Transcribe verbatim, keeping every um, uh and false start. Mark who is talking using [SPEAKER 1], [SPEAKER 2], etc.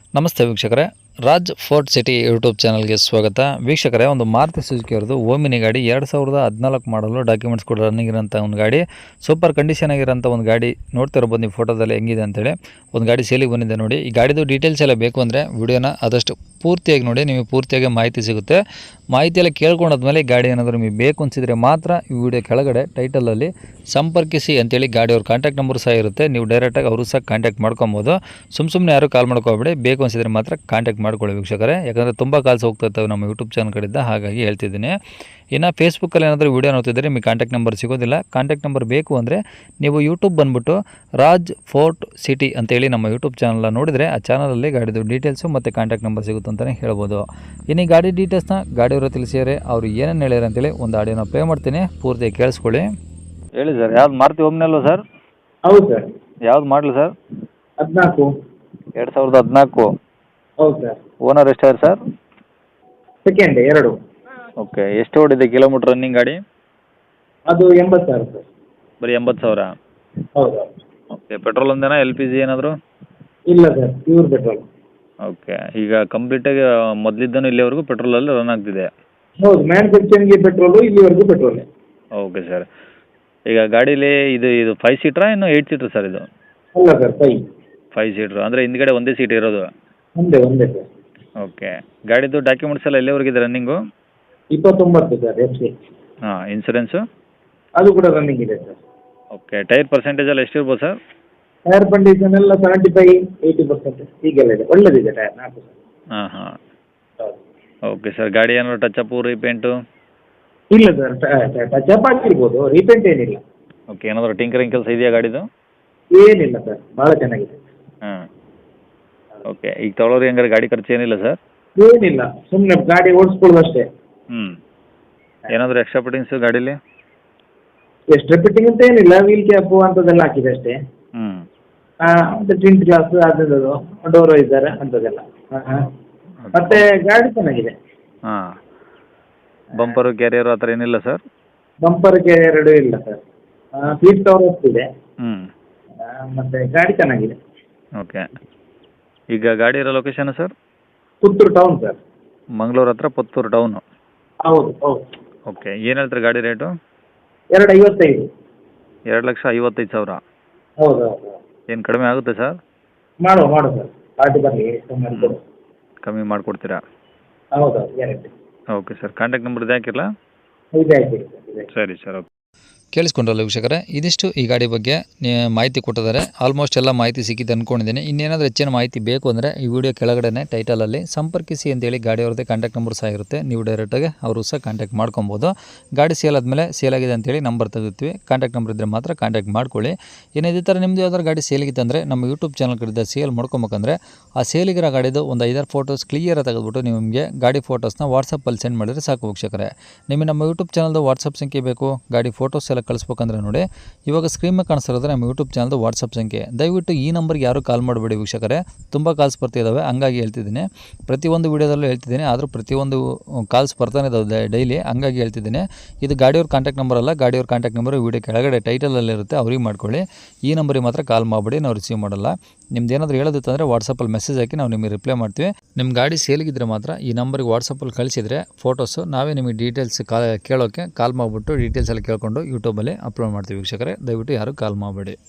[SPEAKER 1] ನಮಸ್ತೆ ವೀಕ್ಷಕರೇ, Raj fort city YouTube ಚಾನಲ್ಗೆ ಸ್ವಾಗತ. ವೀಕ್ಷಕರೇ, ಒಂದು ಮಾರುತಿ ಸುಜುಕಿ ಅವ್ರದ್ದು ಓಮಿನಿ ಗಾಡಿ ಎರಡು ಸಾವಿರದ ಹದಿನಾಲ್ಕು ಮಾಡಲು ಡಾಕ್ಯುಮೆಂಟ್ಸ್ ಕೂಡ ರನ್ನಿಂಗ್ ಇರೋಂಥ ಒಂದು ಗಾಡಿ, ಸೂಪರ್ ಕಂಡೀಷನ್ ಆಗಿರೋಂಥ ಒಂದು ಗಾಡಿ ನೋಡ್ತಿರ್ಬೋದು ನೀವು ಫೋಟೋದಲ್ಲಿ ಹೆಂಗಿದೆ ಅಂತೇಳಿ. ಒಂದು ಗಾಡಿ ಸೇಲಿಗೆ ಬಂದಿದೆ ನೋಡಿ. ಈ ಗಾಡಿದು ಡೀಟೇಲ್ಸ್ ಎಲ್ಲ ಬೇಕು ಅಂದರೆ ವಿಡಿಯೋನ ಆದಷ್ಟು ಪೂರ್ತಿಯಾಗಿ ನೋಡಿ, ನಿಮಗೆ ಪೂರ್ತಿಯಾಗಿ ಮಾಹಿತಿ ಸಿಗುತ್ತೆ. ಮಾಹಿತಿ ಎಲ್ಲ ಕೇಳ್ಕೊಂಡಾದ್ಮೇಲೆ ಗಾಡಿ ಏನಾದರೂ ನಿಮಗೆ ಬೇಕು ಅನಿಸಿದರೆ ಮಾತ್ರ ಈ ವಿಡಿಯೋ ಕೆಳಗಡೆ ಟೈಟಲಲ್ಲಿ ಸಂಪರ್ಕಿಸಿ ಅಂತೇಳಿ ಗಾಡಿಯವ್ರ ಕಾಂಟ್ಯಾಕ್ಟ್ ನಂಬರ್ ಸಹ ಇರುತ್ತೆ. ನೀವು ಡೈರೆಕ್ಟಾಗಿ ಅವರು ಸಹ ಕಾಂಟ್ಯಾಕ್ಟ್ ಮಾಡ್ಕೊಬೋದು. ಸುಮ್ಮ ಸುಮ್ಮನೆ ಯಾರು ಕಾಲ್ ಮಾಡ್ಕೋಬೇಡಿ, ಬೇಕು ಅನಿಸಿದರೆ ಮಾತ್ರ ಕಾಂಟ್ಯಾಕ್ಟ್ ಮಾಡ್ಕೊಳ್ಳಿ ವೀಕ್ಷಕರೇ. ಯಾಕಂದರೆ ತುಂಬ ಕಾಲ್ಸ್ ಹೋಗ್ತಾ ಇರ್ತವೆ ನಮ್ಮ ಯೂಟ್ಯೂಬ್ ಚಾನಲ್ ಕಡೆಯಿಂದ, ಹಾಗಾಗಿ ಹೇಳ್ತಿದ್ದೀನಿ. ಇನ್ನು ಫೇಸ್ಬುಕ್ಕಲ್ಲಿ ಏನಾದರೂ ವೀಡಿಯೋ ನೋಡ್ತಿದ್ದರೆ ನಿಮಗೆ ಕಾಂಟ್ಯಾಕ್ಟ್ ನಂಬರ್ ಸಿಗೋದಿಲ್ಲ. ಕಾಂಟ್ಯಾಕ್ಟ್ ನಂಬರ್ ಬೇಕು ಅಂದರೆ ನೀವು ಯೂಟ್ಯೂಬ್ ಬಂದುಬಿಟ್ಟು ರಾಜ್ ಫೋರ್ಟ್ ಸಿಟಿ ಅಂತೇಳಿ ನಮ್ಮ ಯೂಟ್ಯೂಬ್ ಚಾನಲ್ ನೋಡಿದರೆ ಆ ಚಾನಲಲ್ಲಿ ಗಾಡಿದು ಡೀಟೇಲ್ಸು ಮತ್ತು ಕಾಂಟ್ಯಾಕ್ಟ್ ನಂಬರ್ ಸಿಗುತ್ತೆ ಅಂತಲೇ ಹೇಳ್ಬೋದು. ಇನ್ನು ಈ ಗಾಡಿ ಡೀಟೇಲ್ಸ್ನ ಗಾಡಿಯವರು ತಿಳಿಸಿದರೆ ಅವರು ಏನೇನು ಹೇಳ್ಯಾರ ಅಂತೇಳಿ ಒಂದು ಆಡಿಯೋನ ಪ್ಲೇ ಮಾಡ್ತೀನಿ, ಪೂರ್ತಿ ಕೇಳಿಸ್ಕೊಳ್ಳಿ. ಹೇಳಿ ಸರ್, ಯಾವ್ದು ಮಾರುತಿ ಓಮ್ನಿ ಅಲ್ವಾ ಸರ್?
[SPEAKER 2] ಹೌದು ಸರ್.
[SPEAKER 1] ಯಾವ್ದು ಮಾಡಲಿ ಸರ್?
[SPEAKER 2] ಹದಿನಾಲ್ಕು.
[SPEAKER 1] ಎರಡು ಸಾವಿರದ ಹದಿನಾಲ್ಕು.
[SPEAKER 2] ಹೌದು ಸರ್.
[SPEAKER 1] ಓನರ್ ಎಷ್ಟಾದ್ರೆ ಸರ್?
[SPEAKER 2] ಸೆಕೆಂಡ್ ಎರಡು.
[SPEAKER 1] ಓಕೆ, ಎಷ್ಟು ಓಡಿದೆ ಕಿಲೋಮೀಟ್ರ್ ರನ್ನಿಂಗ್ ಗಾಡಿ?
[SPEAKER 2] ಅದು ಎಂಬತ್ತು ಸಾವಿರ ಸರ್.
[SPEAKER 1] ಬರೀ ಎಂಬತ್ತು ಸಾವಿರ?
[SPEAKER 2] ಹೌದು.
[SPEAKER 1] ಓಕೆ, ಪೆಟ್ರೋಲ್ ಒಂದೇನಾ, ಎಲ್ ಪಿ ಜಿ ಏನಾದರೂ?
[SPEAKER 2] ಇಲ್ಲ ಸರ್, ಪ್ಯೂರ್ ಪೆಟ್ರೋಲ್.
[SPEAKER 1] ಓಕೆ, ಈಗ ಕಂಪ್ಲೀಟಾಗಿ ಮೊದಲಿದ್ದನು ಇಲ್ಲಿವರೆಗೂ ಪೆಟ್ರೋಲಲ್ಲಿ ರನ್ ಆಗ್ತಿದೆ?
[SPEAKER 2] ಹೌದು, ಮ್ಯಾನುಫ್ಯಾಕ್ಚರಿಂಗ್ಗೆ ಪೆಟ್ರೋಲು, ಇಲ್ಲಿವರೆಗೂ ಪೆಟ್ರೋಲೇ.
[SPEAKER 1] Okay sir. ಈಗ ಗಾಡೀಲಿ ಇದು ಇದು ಫೈವ್ ಸೀಟ್ರಾ ಇನ್ನು ಏಯ್ಟ್ ಸೀಟ್ರ್ ಸರ್ ಇದು?
[SPEAKER 2] ಅಲ್ಲ ಸರ್, ಫೈ
[SPEAKER 1] ಫೈವ್ ಸೀಟ್ರು ಅಂದರೆ ಹಿಂದ್ಗಡೆ ಒಂದೇ ಸೀಟ್ ಇರೋದು?
[SPEAKER 2] ಒಂದೇ ಒಂದೇ ಸರ್.
[SPEAKER 1] ಓಕೆ, ಗಾಡಿದು ಡಾಕ್ಯುಮೆಂಟ್ಸ್ ಎಲ್ಲ ಎಲ್ಲಿವರೆಗಿದೆ ರನ್ನಿಂಗು?
[SPEAKER 2] ಇಪ್ಪತ್ತೊಂಬತ್ತು ಸರ್ ಎಫ್ ಸಿ.
[SPEAKER 1] ಹಾಂ, ಇನ್ಸೂರೆನ್ಸು?
[SPEAKER 2] ಅದು ಕೂಡ ರನ್ನಿಂಗ್ ಇದೆ ಸರ್.
[SPEAKER 1] ಓಕೆ, ಟೈರ್ ಪರ್ಸೆಂಟೇಜ್ ಎಲ್ಲ ಎಷ್ಟಿರ್ಬೋದು ಸರ್?
[SPEAKER 2] ಟೈರ್ ಕಂಡೀಷನ್ ಎಲ್ಲ ಸೆವೆಂಟಿ ಫೈವ್ ಏಯ್ಟಿ ಪರ್ಸೆಂಟ್ ಹೀಗೆಲ್ಲ ಇದೆ, ಒಳ್ಳೆದಿದೆ ಟೈರ್ ನಾಲ್ಕು ಸರ್.
[SPEAKER 1] ಹಾಂ ಹಾಂ.
[SPEAKER 2] ಹೌದು.
[SPEAKER 1] ಓಕೆ ಸರ್, ಗಾಡಿ ಏನಾದ್ರು ಟಚಪ್ಪು ರೀಪೇಂಟು?
[SPEAKER 2] ಇಲ್ಲ ಸರ್, ಟಚ್ ಅಪ್ ಆಗಿರ್ಬೋದು, ರೀಪೇಂಟ್ ಏನಿಲ್ಲ.
[SPEAKER 1] ಓಕೆ, ಏನಾದರೂ ಟಿಂಕರಿಂಗ್ ಕೆಲಸ ಇದೆಯಾ ಗಾಡಿದು?
[SPEAKER 2] ಏನಿಲ್ಲ ಸರ್, ಭಾಳ ಚೆನ್ನಾಗಿದೆ.
[SPEAKER 1] ಹಾಂ. ಓಕೆ, ಈಗ ತೊಗೊಳೋರು ಹೆಂಗಾರೆ ಗಾಡಿ ಖರ್ಚು ಏನಿಲ್ಲ ಸರ್?
[SPEAKER 2] ಏನಿಲ್ಲ, ಸುಮ್ಮನೆ ಗಾಡಿ ಓಡಿಸ್ಕೊಳ್ಳೋದು ಅಷ್ಟೇ.
[SPEAKER 1] ಹ್ಞೂ. ಏನಾದರೂ ಎಕ್ಸ್ಟ್ರಾ ಫಿಟ್ಟಿಂಗ್ಸು ಗಾಡೀಲಿ?
[SPEAKER 2] ಎಕ್ಸ್ಟ್ರಾ ಫಿಟ್ಟಿಂಗ್ ಅಂತ ಏನಿಲ್ಲ, ವೀಲ್ ಕ್ಯಾಪು ಅಂಥದ್ದೆಲ್ಲ ಹಾಕಿದೆ ಅಷ್ಟೇ.
[SPEAKER 1] ಹ್ಞೂ.
[SPEAKER 2] ಹಾಂ, ಮತ್ತು ಟಿಂಟ್ ಗ್ಲಾಸ್ ಅದರದ್ದು ಡೋರ್ ಇದ್ದಾರೆ ಅಂಥದ್ದೆಲ್ಲ. ಹಾಂ ಹಾಂ. ಮತ್ತು ಗಾಡಿ ಚೆನ್ನಾಗಿದೆ.
[SPEAKER 1] ಹಾಂ. ಬಂಪರು ಕ್ಯಾರಿಯರು ಆ ಥರ ಏನಿಲ್ಲ ಸರ್?
[SPEAKER 2] ಬಂಪರ್ಗೆ ಎರಡು ಇಲ್ಲ ಸರ್. ಸೀಟ್ ಕವರ್ ಹೋಗ್ತಿದೆ.
[SPEAKER 1] ಹ್ಞೂ.
[SPEAKER 2] ಮತ್ತು ಗಾಡಿ ಚೆನ್ನಾಗಿದೆ.
[SPEAKER 1] ಓಕೆ, ಈಗ ಗಾಡಿ ಇರೋ location sir?
[SPEAKER 2] Puttur town sir.
[SPEAKER 1] Mangaluru ಹತ್ರ ಪುತ್ತೂರು ಟೌನು?
[SPEAKER 2] ಹೌದು ಹೌದು.
[SPEAKER 1] ಓಕೆ, ಏನು ಹೇಳ್ತಾರೆ ಗಾಡಿ ರೇಟು?
[SPEAKER 2] ಎರಡು ಐವತ್ತೈದು.
[SPEAKER 1] ಎರಡು ಲಕ್ಷ ಐವತ್ತೈದು ಸಾವಿರ?
[SPEAKER 2] ಹೌದು ಹೌದು.
[SPEAKER 1] ಏನು ಕಡಿಮೆ ಆಗುತ್ತೆ ಸರ್?
[SPEAKER 2] ಮಾಡುವ ಮಾಡುವ ಸರ್, ಪಾರ್ಟಿ ಬರಲಿ ಕಮ್ಮಿ ಕೊಡು.
[SPEAKER 1] ಕಮ್ಮಿ ಮಾಡಿಕೊಡ್ತೀರಾ?
[SPEAKER 2] ಹೌದು ಹೌದು, guarantee.
[SPEAKER 1] Okay sir, contact number ಇದು ಹಾಕಿರಲಾ?
[SPEAKER 2] ಇದೆ ಹಾಕಿರಿ ಸರ್, ಇದೆ.
[SPEAKER 1] ಸರಿ ಸರ್, ಓಕೆ. ಕೇಳಿಸ್ಕೊಂಡ್ರಲ್ಲ ವೀಕ್ಷಕರೇ, ಇದಿಷ್ಟು ಈ ಗಾಡಿ ಬಗ್ಗೆ ಮಾಹಿತಿ ಕೊಟ್ಟಿದ್ದಾರೆ. ಆಲ್ಮೋಸ್ಟ್ ಎಲ್ಲ ಮಾಹಿತಿ ಸಿಕ್ಕಿದ್ದು ಅಂದ್ಕೊಂಡಿದ್ದೀನಿ. ಇನ್ನೇನಾದರೂ ಹೆಚ್ಚಿನ ಮಾಹಿತಿ ಬೇಕು ಅಂದರೆ ಈ ವಿಡಿಯೋ ಕೆಳಗಡೆ ಟೈಟಲಲ್ಲಿ ಸಂಪರ್ಕಿಸಿ ಅಂತೇಳಿ ಗಾಡಿಯವ್ರದ್ದೇ ಕಾಂಟ್ಯಾಕ್ಟ್ ನಂಬರ್ ಸಹ ಇರುತ್ತೆ. ನೀವು ಡೈರೆಕ್ಟಾಗಿ ಅವರು ಸಹ ಕಾಂಟ್ಯಾಕ್ಟ್ ಮಾಡ್ಕೊಬೋದು. ಗಾಡಿ ಸೇಲ್ ಆದಮೇಲೆ ಸೇಲ್ ಆಗಿದೆ ಅಂತೇಳಿ ನಂಬರ್ ತೆಗಿರ್ತೀವಿ. ಕಾಂಟ್ಯಾಕ್ಟ್ ನಂಬರ್ ಇದ್ದರೆ ಮಾತ್ರ ಕಾಂಟ್ಯಾಕ್ಟ್ ಮಾಡ್ಕೊಳ್ಳಿ. ಇನ್ನು ಇದೇ ಥರ ನಿಮ್ಮದು ಯಾವ್ದಾದ್ರು ಗಾಡಿ ಸೇಲಿಗಿತ್ತು ಅಂದರೆ ನಮ್ಮ ಯೂಟ್ಯೂಬ್ ಚಾನಲ್ ಕಡೆಯಿಂದ ಸೇಲ್ ಮಾಡ್ಕೊಬೇಕಂದ್ರೆ ಆ ಸೇಲಿಗಿರೋ ಗಾಡಿದು ಒಂದು ಐದಾರು ಫೋಟೋಸ್ ಕ್ಲಿಯರಾಗಿ ತೆಗೆದುಬಿಟ್ಟು ನಿಮಗೆ ಗಾಡಿ ಫೋಟೋಸ್ನ ವಾಟ್ಸಪ್ಪಲ್ಲಿ ಸೆಂಡ್ ಮಾಡಿದರೆ ಸಾಕು ವೀಕ್ಷಕರೇ. ನಿಮಗೆ ನಮ್ಮ ಯೂಟ್ಯೂಬ್ ಚಾನಲ್ದು ವಾಟ್ಸಪ್ ಸಂಖ್ಯೆ ಬೇಕು, ಗಾಡಿ ಫೋಟೋಸ್ ಎಲ್ಲ ಕಳಿಸ್ಬೇಕಂದ್ರೆ ನೋಡಿ, ಇವಾಗ ಸ್ಕ್ರೀನ್ ಮೇಲೆ ಕಾಣಿಸ್ತಿರೋದ್ರೆ ನಮ್ಮ ಯೂಟ್ಯೂಬ್ ಚಾನಲ್ದು ವಾಟ್ಸಪ್ ಸಂಖ್ಯೆ. ದಯವಿಟ್ಟು ಈ ನಂಬರ್ಗೆ ಯಾರು ಕಾಲ್ ಮಾಡಬೇಡಿ ವೀಕ್ಷಕರೇ, ತುಂಬ ಕಾಲ್ಸ್ ಬರ್ತಿದ್ದಾವೆ, ಹಂಗಾಗಿ ಹೇಳ್ತಿದ್ದೀನಿ. ಪ್ರತಿಯೊಂದು ವೀಡಿಯೋದಲ್ಲೂ ಹೇಳ್ತಿದ್ದೀನಿ, ಆದರೂ ಪ್ರತಿಯೊಂದು ಕಾಲ್ಸ್ ಬರ್ತಾನೆ ಇದ್ದಾವೆ ಡೈಲಿ, ಹಂಗಾಗಿ ಹೇಳ್ತಿದ್ದೀನಿ. ಇದು ಗಾಡಿಯವ್ರ ಕಾಂಟ್ಯಾಕ್ಟ್ ನಂಬರ್ ಅಲ್ಲ, ಗಾಡಿಯವ್ರ ಕಾಂಟ್ಯಾಕ್ಟ್ ನಂಬರ್ ವೀಡಿಯೋ ಕೆಳಗಡೆ ಟೈಟಲಲ್ಲಿರುತ್ತೆ, ಅವ್ರಿಗೆ ಮಾಡ್ಕೊಳ್ಳಿ. ಈ ನಂಬರಿಗೆ ಮಾತ್ರ ಕಾಲ್ ಮಾಡಬೇಡಿ, ನಾವು ರಿಸೀವ್ ಮಾಡಲ್ಲ. ನಿಮ್ದು ಏನಾದರೂ ಹೇಳೋದಿತ್ತಂದರೆ ವಾಟ್ಸಪ್ಪಲ್ಲಿ ಮೆಸೇಜ್ ಹಾಕಿ ನಾವು ನಿಮಗೆ ರಿಪ್ಲೈ ಮಾಡ್ತೀವಿ. ನಿಮ್ಮ ಗಾಡಿ ಸೇಲ್ಗಿದ್ರೆ ಮಾತ್ರ ಈ ನಂಬರಿಗೆ ವಾಟ್ಸಪ್ಪಲ್ಲಿ ಕಳಿಸಿದರೆ ಫೋಟೋಸು ನಾವೇ ನಿಮಗೆ ಡೀಟೇಲ್ಸ್ ಕಾ ಕೇಳೋಕ್ಕೆ ಕಾಲ್ ಮಾಡಿಬಿಟ್ಟು ಡೀಟೇಲ್ಸ್ ಎಲ್ಲ ಕೇಳ್ಕೊಂಡು ಯೂಟ್ಯೂಬಲ್ಲಿ ಅಪ್ಲೋಡ್ ಮಾಡ್ತೀವಿ ವೀಕ್ಷಕರೇ. ದಯವಿಟ್ಟು ಯಾರು ಕಾಲ್ ಮಾಡಬೇಡಿ.